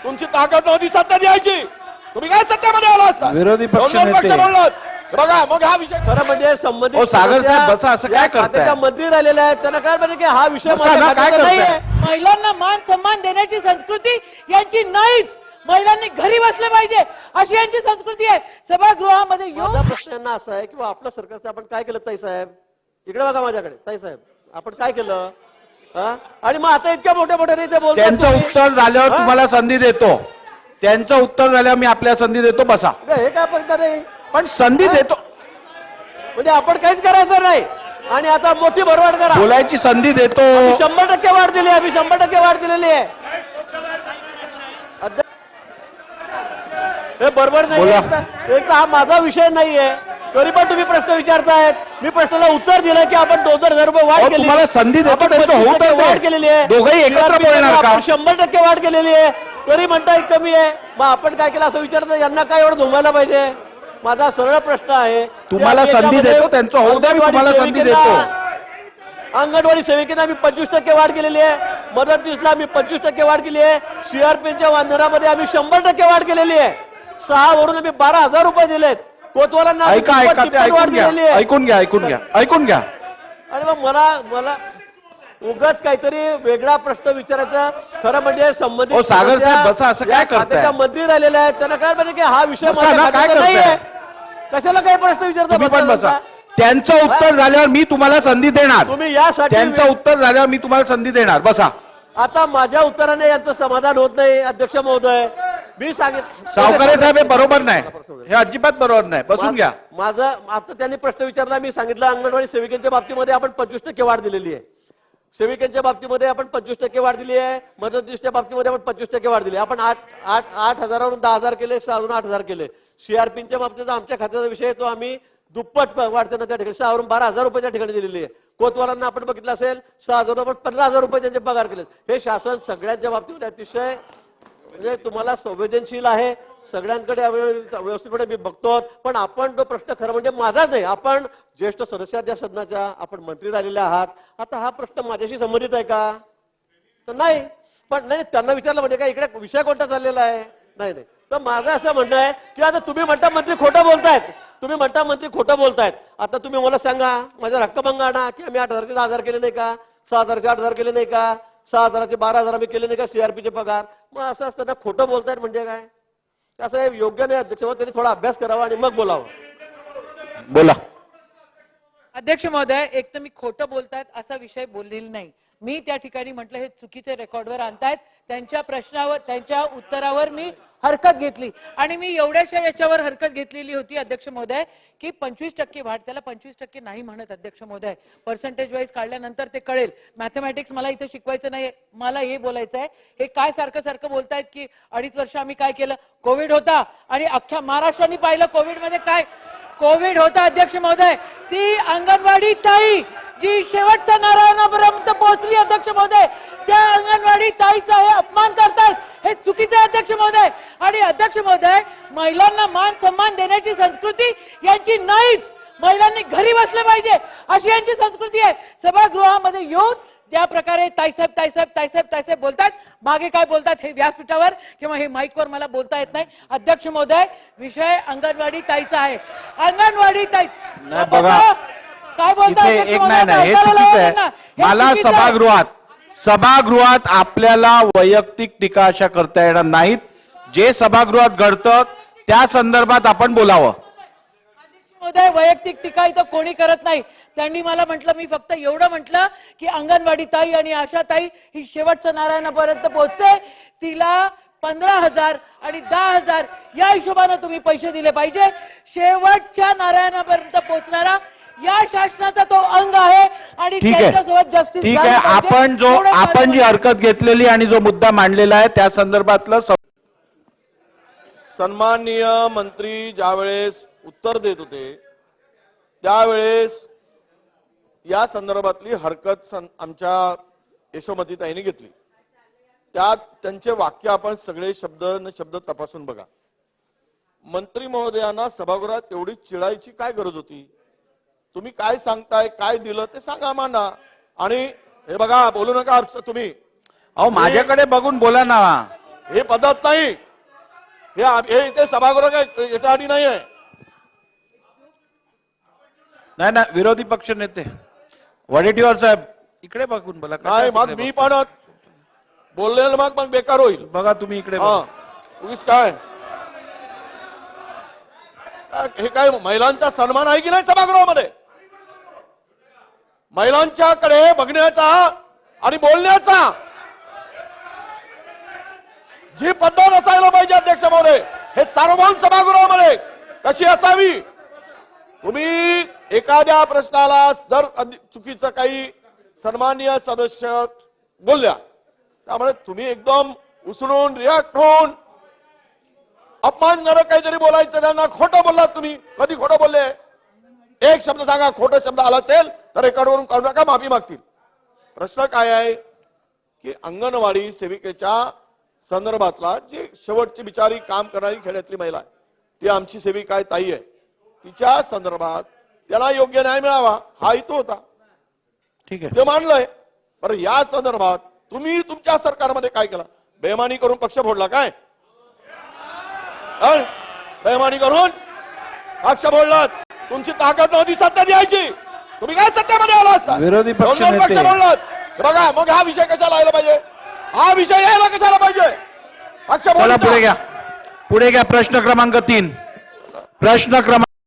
तुमची ताकद नव्हती सत्ता द्यायची, तुम्ही काय सत्तेमध्ये आला असता? विरोधी पक्ष दोन पक्ष नेते. बोललात बघा, मग हा विषय खरं म्हणजे संबंधित ओ सागर साहेब बसा, असं काय करताय? खात्याच्या मंत्री राहिलेले आहेत, त्यांना काय पाहिजे की हा विषय बसा माझ्या ना, काय खात्याचा करताय? नाहीये. महिलांना मान सन्मान देण्याची संस्कृती यांची नाहीच. महिलांनी घरी बसले पाहिजे अशी यांची संस्कृती आहे. सभागृहामध्ये माझा येऊन प्रश्न यांना असा आहे की आपल्या सरकारचं आपण काय केलं ताई साहेब? इकडे बघा माझ्याकडे, ताई साहेब आपण काय केलं? हा? आणि मग आता इतक्या मोठ्या मोठ्या ते बोलतात त्यांचं तुम्ही. उत्तर झाल्यावर हा? तुम्हाला संधी देतो. त्यांचं उत्तर झाल्यावर मी आपल्याला संधी देतो. बसा. हे काय पद्धत आहे? पण संधी देतो. म्हणजे आपण काहीच करायचं नाही आणि आता मोठी भरवाड करा. बोलायची संधी देतो. आम्ही 100% वाढ दिली, आम्ही 100% वाढ दिलेली आहे. हे बरोबर नाही. बोला. एक तर हा माझा विषय नाहीये, तरी पण तुम्ही प्रश्न विचारतायत. मी प्रश्नाला उत्तर दिलं की आपण 2,000 रुपये वाढ अहो, केली. तुम्हाला संधी देतो, आपण त्यांचं होऊ 25% तर दे. वाढ केलेली आहे. दोघंही एकत्र बोलणार का? आपण 100% वाढ केलेली आहे, तरी म्हणताय कमी आहे. मग आपण काय केलं असं विचारता? यांना काय एवढं धुमायला पाहिजे? माझा सरळ प्रश्न आहे. तुम्हाला संधी देतो, त्यांचं होऊ द्या, मी तुम्हाला संधी देतो. अंगणवाडी सेविकेला आम्ही 25% वाढ केलेली आहे. मदतनीसला आम्ही 25% वाढ केली आहे. सीआरपीच्या वांदनामध्ये आम्ही 100% वाढ केलेली आहे. 6 वरून आम्ही 12,000 रुपये दिलेत. कोतवालांना आम्ही ऐका ऐका ते तिप्पट वाढ ऐकून घ्या, दिलेली आहे. ऐकून घ्या, ऐकून घ्या, ऐकून घ्या. आणि मग मला उगाच काहीतरी वेगळा प्रश्न विचारायचा. खरं म्हणजे संबंधित ओ सागर साहेब बसा, असं या काय करताय? खात्याच्या मंत्री राहिलेले आहेत, त्यांना काय पाहिजे की हा विषय बसा माझ्या ना, काय खात्याचा करताय? नाहीये. कशाला काही प्रश्न विचारता? तुम्ही पण बसा. त्यांचं उत्तर झाल्यावर मी तुम्हाला संधी देणार. तुम्ही यासाठी त्यांचं उत्तर झाल्यावर मी तुम्हाला संधी देणार. बसा. आता माझ्या उत्तराने यांचं समाधान होत नाही अध्यक्ष महोदय. मी सांगितलं सावकारे साहेब हे बरोबर नाही, हे अजिबात बरोबर नाही. बसून घ्या. माझा आता त्यांनी प्रश्न विचारला, मी सांगितलं अंगणवाडी सेविकांच्या बाबतीमध्ये आपण 25% वाढ दिलेली आहे. सेविकांच्या बाबतीमध्ये आपण 25% वाढ दिली आहे. मदतनीसच्या बाबतीमध्ये आपण 25% वाढ दिली. आपण 8,000वरून 10,000 केले, 6 8,000 केले. सीआरपीच्या बाबतीत आमच्या खात्याचा विषय तो आम्ही दुप्पट वाढताना त्या ठिकाणी 6 वरून 12,000 रुपये त्या ठिकाणी दिलेली आहे. कोतवालांना आपण बघितलं असेल 6,000 आपण 15,000 रुपये त्यांचे पगार केले. हे शासन सगळ्यांच्या बाबतीमध्ये अतिशय म्हणजे तुम्हाला संवेदनशील आहे. सगळ्यांकडे व्यवस्थितपणे मी बघतो. पण आपण तो प्रश्न खरं म्हणजे माझाच नाही, आपण ज्येष्ठ सदस्य त्या सदनाच्या, आपण मंत्री राहिलेले आहात. आता हा प्रश्न माझ्याशी संबंधित आहे का? तर नाही. पण नाही, त्यांना विचारलं म्हणजे काय इकडे विषय कोणता चाललेला आहे? नाही नाही. तर माझं असं म्हणणं आहे की आता तुम्ही म्हणता मंत्री खोटं बोलतायत, तुम्ही म्हणता मंत्री खोटं बोलतायत. आता तुम्ही मला सांगा, माझा हक्कभंग आणा की आम्ही 8,000चे 10,000 केले नाही का? 6,000चे 8,000 केले नाही का? 6,000चे 12,000 आम्ही केले नाही का सीआरपीचे पगार? मग असं असताना खोटं बोलतायत म्हणजे काय? असं हे योग्य नाही अध्यक्ष. त्यांनी थोडा अभ्यास करावा आणि मग बोलावं. बोला. अध्यक्ष महोदय, एक तर मी खोटं बोलतायत असा विषय बोललेला नाही. मी त्या ठिकाणी म्हटलं हे चुकीचे रेकॉर्डवर आणतायत. त्यांच्या प्रश्नावर, त्यांच्या उत्तरावर मी हरकत घेतली आणि मी एवढ्याशा याच्यावर हरकत घेतलेली होती अध्यक्ष महोदय की 25% वाढ, त्याला 25% नाही म्हणत अध्यक्ष महोदय. पर्सेंटेज वाईज काढल्यानंतर ते कळेल. मॅथमॅटिक्स मला इथे शिकवायचं नाही, मला हे बोलायचं आहे. हे काय सारखं सारखं बोलतायत की 2.5 वर्ष आम्ही काय केलं? कोविड होता आणि अख्ख्या महाराष्ट्राने पाहिलं कोविड मध्ये काय कोविड होता अध्यक्ष महोदय. ती अंगणवाडी ताई जी शेवटच्या नारायणापर्यंत पोहोचली अध्यक्ष महोदय, त्या अंगणवाडी ताईचा हे अपमान करतात, हे चुकीचे अध्यक्ष महोदय. आणि अध्यक्ष महोदय, महिलांना मान सन्मान देण्याची संस्कृती यांची नाहीच. महिलांनी घरी बसले पाहिजे अशी यांची संस्कृती आहे. सभागृहामध्ये येऊन ज्या प्रकारे ताईसाहेब ताईसाहेब ताईसाहेब ताईसाहेब बोलतात, मागे काय बोलतात हे व्यासपीठावर किंवा हे माईकवर मला बोलता येत नाही. अध्यक्ष महोदय, विषय अंगणवाडी ताईचा आहे. अंगणवाडी ताई बघा, काय बोलताय? एक नाही, हे चुकीचं आहे. मला सभागृहात आपल्याला वैयक्तिक टीका अशा करता येणार नाहीत. जे सभागृहात घडतं त्या संदर्भात आपण बोलावं. महोदय, वैयक्तिक टीका इथं कोणी करत नाही. त्यांनी मला म्हटलं, मी फक्त एवढं म्हटलं की अंगणवाडी ताई आणि आशा ताई ही शेवटच्या नारायणापर्यंत पोहोचते, तिला 15,000 आणि 10,000 या हिशोबाने तुम्ही पैसे दिले पाहिजे. शेवटच्या नारायणापर्यंत पोहोचणारा या शासनाचा तो अंग आहे आणि त्याच्यासोबत जस्टिस. ठीक आहे, आपण जी हरकत घेतलेली आणि जो मुद्दा मांडलेला आहे त्या संदर्भातलं सन्माननीय मंत्री ज्यावेळेस उत्तर देत होते त्यावेळेस या संदर्भातली हरकत आमच्या यशोमतीताईंनी घेतली. त्यात त्यांचे वाक्य आपण सगळे शब्द तपासून बघा. मंत्री महोदयांना सभागृहात एवढी चिडायची काय गरज होती? तुम्ही काय सांगताय, काय दिलं ते सांगा आम्हाला. आणि हे बघा, बोलू नका तुम्ही. अहो, माझ्याकडे बघून बोला ना. हे पद्धत नाही. हे इथे सभागृह काय याच्यासाठी नाही आहे. नाही ना, विरोधी पक्ष नेते वडेट्टीवार साहेब इकडे बघून बोला. नाही मग मी पण बोललेलं मग बेकार होईल. बघा तुम्ही इकडे हा बघा. उगीच काय हे काय महिलांचा सन्मान आहे की नाही सभागृहामध्ये? महिलांच्याकडे बघण्याचा आणि बोलण्याचा जी पद्धत असायला पाहिजे अध्यक्ष महोदय, हे सार्वभौम सभागृहामध्ये कशी असावी? तुम्ही एखाद्या प्रश्नाला जर चुकीचं काही सन्माननीय सदस्य बोलल्या, त्यामुळे तुम्ही एकदम उसळून रिॲक्ट होऊन अपमानजनक काहीतरी बोलायचं, त्यांना खोटं बोललात तुम्ही. कधी खोटं बोलले? एक शब्द सांगा, खोटं शब्द आला असेल तर रेकॉर्डवरून काढू नका, माफी मागतील. प्रश्न काय आहे की अंगणवाडी सेविकेच्या संदर्भातला जे शेवटची बिचारी काम करणारी खेड्यातली महिला आहे, ती आमची सेविका आहे, ताई आहे, तिच्या संदर्भात त्याला योग्य न्याय मिळावा हा हेतू होता. ठीक आहे, ते मानलंय. बरं, या संदर्भात तुम्ही तुमच्या सरकारमध्ये काय केलं? बेमानी करून पक्ष फोडला काय? बेमानी करून पक्ष फोडलात. तुमची ताकद नव्हती सत्ता द्यायची, तुम्ही काय सत्तेमध्ये आला असता? विरोधी पक्ष दोन पक्ष नेते. फोडलात. बघा मग हा विषय कशाला यायला पाहिजे? हा विषय यायला कशाला पाहिजे? पक्ष चला फोडला. पुढे घ्या, पुढे घ्या. प्रश्न क्रमांक 3. प्रश्न क्रमांक